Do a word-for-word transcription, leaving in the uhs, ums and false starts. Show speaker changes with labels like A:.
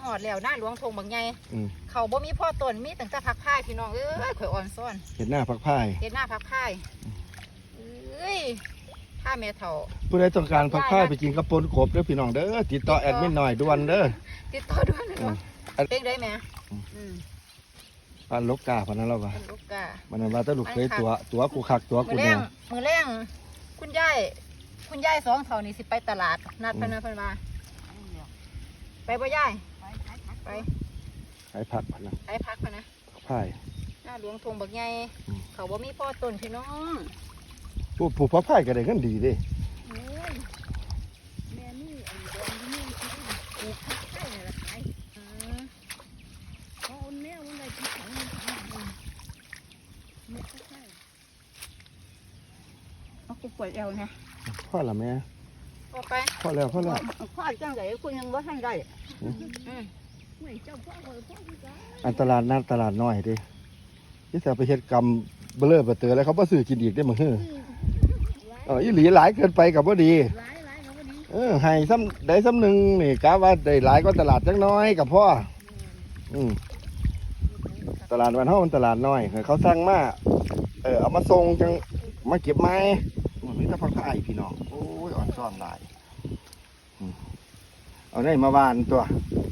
A: อดแล้วหน้าหลวงทงบางใหญ่เขาบ่มีพ่อต้นมีตั้งแต่ผักพายพี่น้องเอ้ยข่อยอ่อนซ้อน
B: เห็นหน้าผักพาย
A: เห็นหน้าผักพายเอ้ยถ้าแม่เฒ่า
B: ผู้ใดต้องการผักพายไปกินกระปนขบเด้อพี่น้องเด้อติดต่อแอดมินหน่อยด่วนเด้อ
A: ติดต่อด่วนเนาะเป็นได้แม่อืม
B: ปานลูกกาพนันเราว่า
A: ลูกกา
B: มันว่าแต่ลูกเคยตัวตัวกูคักตัวกูเนี่ย
A: มือแรงคุณยายคุณยายสองเท่านี่สิไปตลาดนัดพนันพนมาไปบ่ยายไป
B: ขายผักพนัน
A: ขายผักพนะ
B: พาย
A: หน้าหลวงทงบักใหญ่เขาบ่มีพ่อต้นพี่น้อง
B: ผู้ผู้พ่อพายก็ได้กันดีเด้
A: แม่นี่อันเดิมนี่ปลูกผักไผ่นี่ละขายเขาเอาแนวมันได้ที่ของมันไม่ใช่เอากูปวดเอวนะ
B: พ่อละแม่
A: พอไป
B: พ่อแล้วพ่อแล้ว
A: พ่อจังไงคุณยังว่าท่านได้
B: อันตลาดนัดตลาดน้อยดิที่จะไปเฮ็ดกรรมเบลอเบเตอแล้วเขาบ่ซื้อกินอีกได้มั้งเฮ้อเอออีหลีหลายเกินไปกับบ่ดีเออให้ซ้ำได้ซ้ำหนึ่งนี่กะว่าได้หลายก็ตลาดจังน้อยกับพ่ออืมตลาดวันเฮามันตลาดน้อยเขาสั่งมาเออเอามาส่งจังมาเก็บไม้มีแต่ผักพายพี่น้องโอ้ยอ่อนซ้อนหลายเอาได้มาวานตัว